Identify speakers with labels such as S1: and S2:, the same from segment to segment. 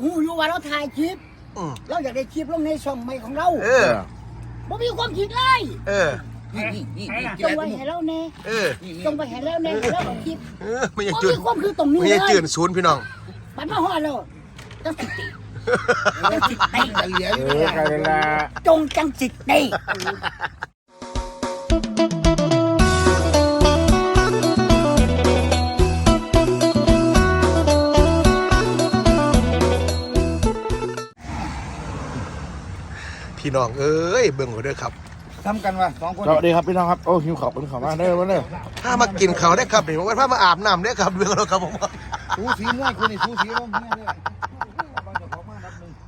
S1: หูอยู่ว่าเราถ่ายคลิปเราอยากได้คลิปลงในช่องใหม่ของเราบ่มีความคิดเลยจงไว้ให้เราแน่จงไว้ให้เราแน่แล้วเอาคลิป
S2: ไม่ยังจืด
S1: มีความคือตรงนี้เลย
S2: ไม่ยังจืดศูนย์พี่น้อง
S1: ปันมาฮอดแล้วจังสิติจงจังสิติ
S2: พี่น้องเอ้ยเบิ่งเขาด้วยครับ
S3: ทำกันวะ2 คน
S4: สวัสดีครับพี่น้องครับโอ้หิวข้าวเป็นข้าวมาเด้อมาเด้อ
S2: ถ้ามากินเขาได้ครับนี่ว่าถ้ามาอาบน้ำได้ครับเบิ่งเราครับผม
S3: สูสีม่วยคุณนี่สูสีร่มเนี่ยเลยบางเจ้าของมารับนึง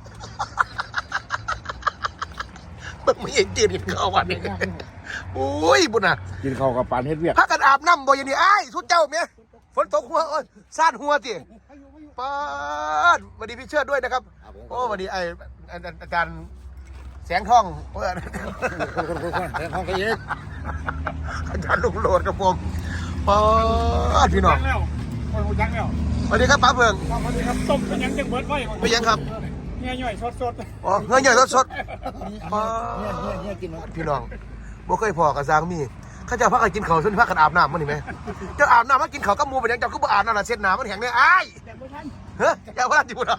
S2: เบิ่งไม่ยังจืดกินข้าววันนี้โอ้ยบุญน่ะ
S4: กินข้าวกับปานเฮ็ดเวียก
S2: พักกันอาบน้ำบ่อย่างนี้ไอ้ทุกเจ้าเมียฝนตกหัวโอ้ยซ่านหัวสิป้าสวัสดีพี่เชิดด้วยนะครับโอ้สวัสดีไอ้อาจารย์แสงทอง
S3: แสงทองก็เยอะ
S2: อาจารย์ลุงโหลดกับผมป้าสพี่น้อง
S3: ยังแล้ว
S2: สวัสดีครับป้าเพิง
S3: สวัสดีครับต้มเป็นยังจังเบิดไว้
S2: เป็นยังครับ
S3: เงี้ยย่อยสด
S2: อ๋อเงี้ยย่อยสด
S3: ป้าเนี่ยกิน
S2: พี่น้องบ่เคยพอกับซางมีข้าเจ้าพักกันกินข้าวส่วนพักกันอาบน้ำมันนี่ไหมเจ้าอาบน้ำมากินข้าวก็มูเป็นยังเจ้าก็บ่อาบน้ำละเช็ดน้ำมันแห้งเนี่ยไอ้เฮ้ยอย่าว่าจิบุระ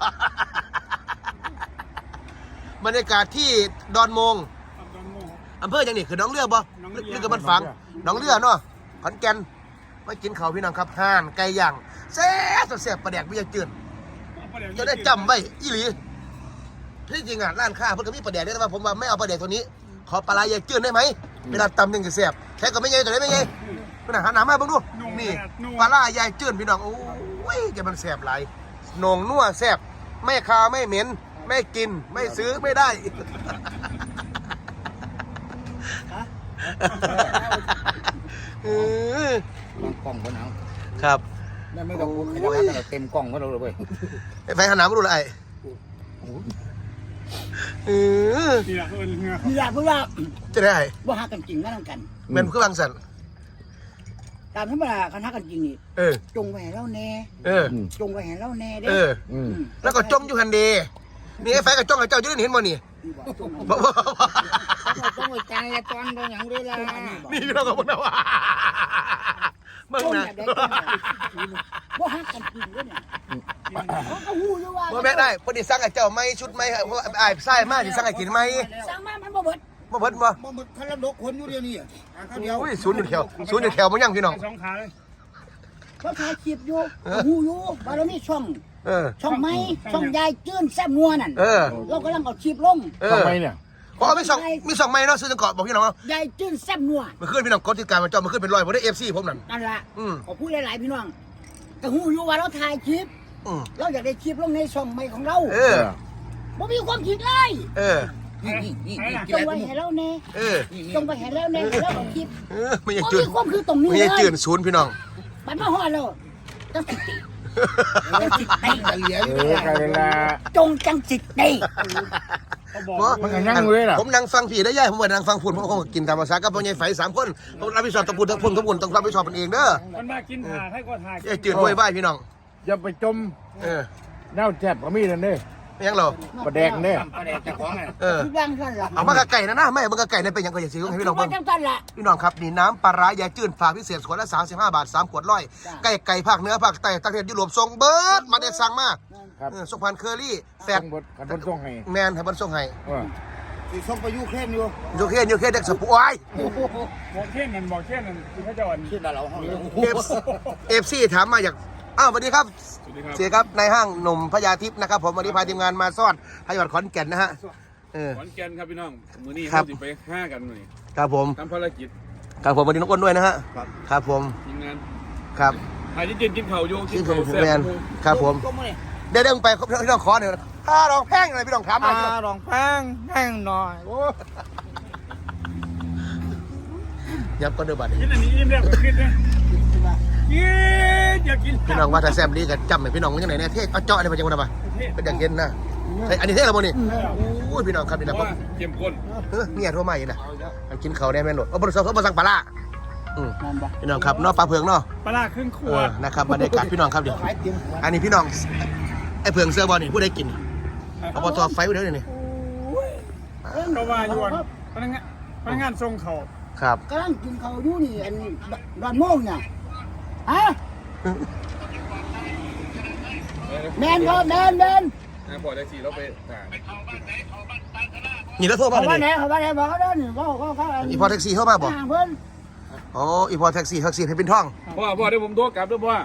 S2: บรรยากาศที่ดอนมงอำเภอยังนี่คือน้องเรือบ่หรือกับมันฝังน้องเรือเนาะขอนแก่นมากินข้าวพี่น้องครับห่านไก่ย่างแซ่บแซ่บปลาแดกไม่ยากจืดจะได้จำไว้อีหลีที่จริงอ่ะร้านค้าเพิ่งก็มีปลาแดกได้แต่ว่าผมว่าไม่เอาปลาแดกตัวนี้ขอปลาไหลยายจืดได้ไหมเวลาตำยังจะแซ่บแค่ก็ไม่ใหญ่ตัวไหนไม่ใหญ่พี่น้องหันหน้ามาเบิ่งดูนี่ปลาไหลยายจืดพี่น้องโอ้ยแกมันแซ่บหลายหนงนัวแซ่บไม่คาวไม่เหม็นไม่กินไม่ซื้อไม่ได้
S3: กล่องคนเอา
S2: ครับ
S3: ไม่ต้องเต็มกล่องก็เราเลย
S2: ไปหันหน้ามาดูอะไร
S1: นี่ล่ะเพื่อน
S2: จะได้
S1: บ่ฮักกันจริงนะนำกัน
S2: เป็นคือบางสัน
S1: ตามธรรมดาคันฮักกันจริงนี่จงไว้ให้เราแน่จงไว้ให้เราแน่เด้
S2: แล้วก็จมอยู่หันเดนี่ไอ้ไฟกับจ้องกับเจ้าจะได้เห็นบ่นี่
S3: ต้องไปใจตอนโดนอย่างด้วยล่ะ
S2: นี่เราก็บอกนะว่าเมื่อไง
S1: บ่ฮักกันจริงด้วยเนี่ยเขาก็หูอยู่ว่า
S2: บ่แม่ได้พอดีสั่งกับเจ้าไม่ชุดไม่เพราะไอ้ไส้มากที่สั่งกับกินไหม
S1: สั่งมามันบ่เบิด
S2: บ่
S3: คันละดกคนอยู่เดียวนี่
S2: เดียวอุ้ยศูนย์อยู่แถวมันยังพี่น้อง
S3: 2 ขาเลย
S1: เขาถ่ายคลิปอยู่หูอยู่ว่าเรามีช่องไม้ช่องยายจื้นแซ่บงัวนั่นเรากำลังเอาคลิปลง
S4: ช่องไม้เนี่ย
S2: เพราะมีช่องไม้เนาะซื้อจังเกาะบอกพี่น้อง
S1: ยายจื้นแซ่บงัว
S2: มันขึ้นพี่น้องกดติดการมันจอมันขึ้นเป็น100ผมได้ FC ผมนั่น
S1: ล่ะขอพูดหลายๆพี่น้องแต่หูอยู่ว่าเราถ่ายคลิปเราอยากได้คลิปลงในช่องใหม่ของเราบ่มีความคิดเลยจงไว้ให้เราแน่จงไว้ให้เราแน่แล้วเอาคลิป
S2: ไม่ยังจืด
S1: ความคือตรงนี้เลย
S2: ไม่ยังจืดศูนย์พี่น้อง
S1: ปันมาฮอดแล้วจังสิติจงจังสิติ
S4: มันก็นั่งเลยล่ะ
S2: ผมนั่งฟังผีได้ย่ายผมว่านั่งฟังฝุ่นผมก็กินตามภาษากับพ่อใหญ่ไฟ3 คนผมรับผิดชอบตะปูทั้งฝุ่นต้องรับผิดชอบมันเองเด้อ
S3: มันมากินถ่าให้ก็ถ่าย
S2: จืดห้วยบ้านพี่น้อง
S4: อย่าไปจมแนวแจ็บก็มีนั่นเด้
S2: ยังเหรอ
S4: ปลาแดกเด้
S3: ปลาแดกจะของ
S2: เอามากระไก่นะไม่มันกระไก่เนี่ยเป็นยังไงอย่าซื้อให้พี่น้องเบิ่งพี่น้องครับนี่น้ำปลาร้ายายจืดฝากพิเศษขวดละ35 บาท3 ขวด100ไก่ภาคเหนือภาคใต้ต่างประเทศยุโรปส่งเบิร์ดมาได้สั่งมาส่งพันเคอรี่แฟด
S4: กันบนส่งให้
S2: แมนให้บนส่งให้
S3: ส่งไปยูเครนอยู่
S2: ยูเครนเด็กสปูไอ้
S3: บอกเครนนั่นคือพระเจ้าเครนเรา
S2: FC ถามมาจากสวัสดีครับเสียครับในห้างหนุ่มพญาทิพย์นะครับผมวันนี้พาทีมงานมาซ่อนพยาบาลขอนแก่นนะฮะ
S5: ขอนแก่นครับพี่น้องมื้อนี้เราจะไป5กันหน่อย
S2: ครับผม
S5: ทำภารกิจ
S2: ครับผมวันนี้น้องอ้นด้วยนะฮะครับผม
S5: ทีมงาน
S2: ครับ
S5: ไอ้ที่กินเข่าโยกินเข่าแซ่บ
S2: ครับผมเดี๋ยวไปพี่น้องขอหน่อยถ้าลองแพงอะไรพี่น้องถามมา
S3: ลองแพงหน่อย
S2: ยับก็เดือบาด
S3: กินอันนี้อิ่มแล้วกินเลยอยากกิน
S2: พี่น้องว่าถ้าแซ่บดีกันจำไหมพี่น้องมันยังไงเนี่ยเทศเอาเจาะอะไรมาจังหวะป่ะเป็นอย่างเย็นนะอันนี้เทศอะไรบ้างนี่โอ้ยพี่น้องครับนี่นะผม
S5: เข้มข้น
S2: เมียโทรมาอีกนะกินเขาได้แม่หลดบริษัทเขาบริษัทปลาพี่น้องครับนอกปลาเผือกเนาะ
S3: ปลาครึ่งขวด
S2: นะครับบรรยากาศพี่น้องครับเดี๋ยวอันนี้พี่น้องไอ้เผืองเสื้อบอลนี่ผู้ใดกินอบตไฟเดี๋ยวนี้
S6: ก็ว่าอยู่พนักงานส่งเขา
S2: ครับ
S1: กำลังกินข้าวอยู่นี่อันดอนโมงเนี่ยฮะแมนครับแมน
S5: บอกได้สิเราไปถ่าย
S2: นี่แล้วโทรมา
S1: เขา
S2: เล
S1: ว่าย ไหนเขาว่าไหนบอกเขาเด้อนี่เขา
S2: อีพอแท็กซี่เข้ามาบอก
S1: เพิ่น
S2: อ๋ออีพอแท็กซี่ให้เป็นท่อง
S5: พ่อเดี๋ยวผมโทรกลับด้วยพ่อ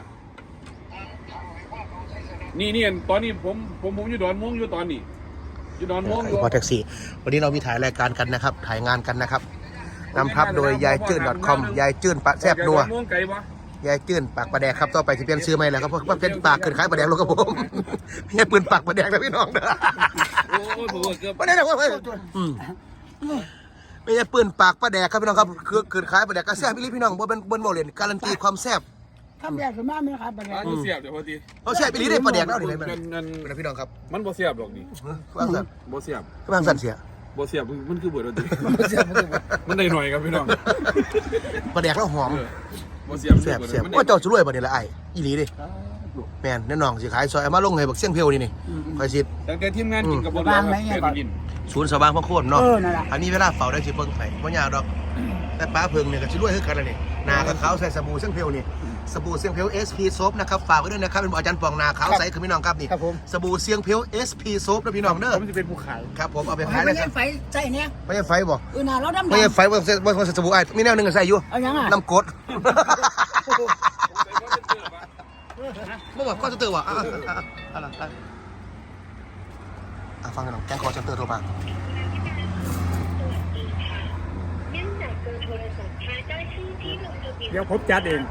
S5: นี่ตอนนี้ผมอยู่ดอนม่วงอยู่ตอนนี้อยู่ดอนม่วงอยู่
S2: อีพอแท็กซี่วันนี้เรามีถ่ายรายการกันนะครับถ่ายงานกันนะครับนำทับโดยยายจื้น .com ยายจื้นปะแซบนัว
S5: ม่วงไก่ปะ
S2: ยายจื้นปากปลาแดกครับต่อไปจะเปลี่ยนชื่อใหม่แล้วครับเพราะว่าเป็นปากเกินขายปลาแดกลงกับผมพี่ปืนปากปลาแดกนะพี่น้องเด้อ
S5: โอ้ยผมเกือบ
S2: ปลาแดกว่าไม่ใช่ปืนปากปลาแดกครับพี่น้องครับคือเกินขายปลาแดกกระแซบพี่น้องบ่เป็นบนโมเลนการันตีความแซ่บ
S1: ทำแบบสมาไม่ครับบัดนี้
S5: มันเสียบเดี๋ยวพอดี
S2: เขาแซ่บไปลีได้ปลาแดกแล้วนี่ไหม
S5: นั่น
S2: เป็นพี่น้องครับ
S5: มันบ่เสียบหรอกนี่
S2: ว่างสัน
S5: บ่เสียบ
S2: ว่างสันเสีย
S5: บ่เสียบมันคือเบิดดนตรีมันได้หน่อยครับพี่น้อง
S2: ปลาแดกแล้วหอม
S5: บ่เสียบ
S2: แซ่บว่าเจ้าจะรวยปะเนี่ยละไอ้อีหลีดิแม่นแน่นอนสิขายซอยเอามาลงให้บักเสี่ยงเพียวนี่คอยสิ
S5: ตั้งแต่ทีมงานกินกับบ่แล้วครับกิน
S2: ศูนย์สว่างพระโคตรเนาะ
S1: นั่นแหละ
S2: อันนี้เวลาเฝ้าได้สิเบิ่งไปบ่ยากดอกแต่ป้าเพิงเนี่ยก็สิรวยคือกันแล้วนี่หน้าก็ขาวใส่สบู่เสี่ยงเพียวนี่สบู่เสี่ยงเพียว SP Soap นะครับฝากไว้ด้วยนะครับเป็นอาจารย์ปองหน้าขาวใสคือพี่น้องครับนี่
S1: ครับผม
S2: สบู่เสี่ยงเพียว SP Soap นะพี่น้องเด้อ
S6: ผมจะเป็นผู้ขาย
S2: ครับผมเอาไปขาย
S1: ไม่
S2: เลยค
S1: ใช่
S2: รับ
S1: ไฟใจเนี่ย
S2: ไม่ใช่ไฟบ่
S1: น่ะเราดำ
S2: ไม่ใช่ไฟบ่สบู่ไอ้มีแนวหนึงก็ใส่อยู่
S1: เอายังอ่ะ
S2: น้ำกรดบ่บอกคอเซ็นเตอร์ว่ะฟังกันหน่อยแกงคอเซ็นเตอร์โทรมา
S6: เดี๋ยวผมจัดเอง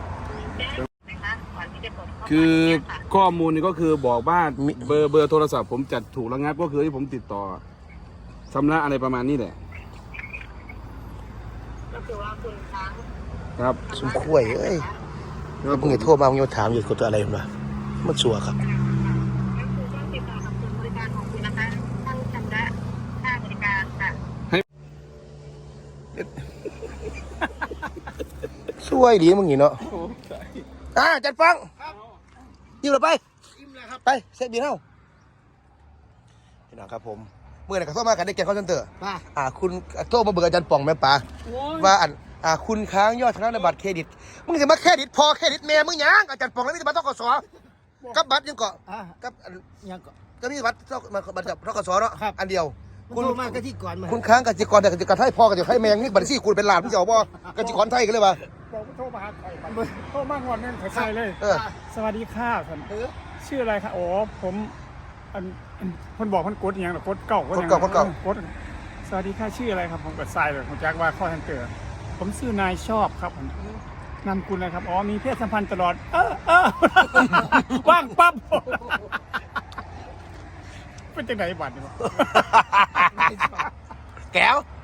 S5: คือข้อมูลนี่ก็คือบอกว่าเบอร์โทรศัพท์ผมจัดถูกระงับก็คือที่ผมติดต่อชำระอะไรประมาณนี้แหละ
S7: ก็คือว่าคุณค้าง
S5: ครับ
S2: สมควรเอ้ยแล้วมึงอย่าโทรมามึงอย่าถามอยู่กับตัวอะไรมันวะมันชัวร์ครับ
S7: ก็คือต้องติดต่อกับศูนย์บริการของคุณนะคะต้องชำระค่าบริการค่ะ
S2: ช่วยดีมึงอย่างเนาะจัดฟังยิ้มเลยไปไปเซ็ตบีเท่าพี่น้องครับผมเมื่อไหร่ก็โทรมากันได้แกงคอนเซนเตอร์คุณโทรมาเบิกอาจารย์ป่องแม่ป๋าว่าคุณค้างยอดชนะในบัตรเครดิตมึงจะมาเครดิตพอเครดิตแม่มึงยังอาจารย์ป่องแล้วมีแต่บัตรทกศกับบัตรยังเกาะกับ
S1: ยังก็
S2: ก็มีบัตรทกศเนาะอันเดียว
S1: คุณมากะที่ก่อนมา
S2: คุณค้างกสิกรแต่กสิกรไทยพ่อกับไทยแมงนี่บัตรซี่คุณเป็นหลานพี่เจ้าบ่กสิกรไทยกันเลยป่ะ
S6: บอกว่าโทรมาหาใครโทรมางอนนั่นใครเลย สวัสดีค่ะท่านชื่ออะไรคะอ๋อผมคนบอกคนกดอย่างหรอกดเก่ากดสวัสดีค่ะชื่ออะไรครับผมกดทรายเลยผมแจ็คว่าข้อทันเตอร์ผมชื่อนายชอบครับผมนามคุณอะไรครับอ๋อมีเพศสัมพันธ์ตลอดว่างปั๊บเป็นจังไหนบัตรนี่วะ
S2: แก้ว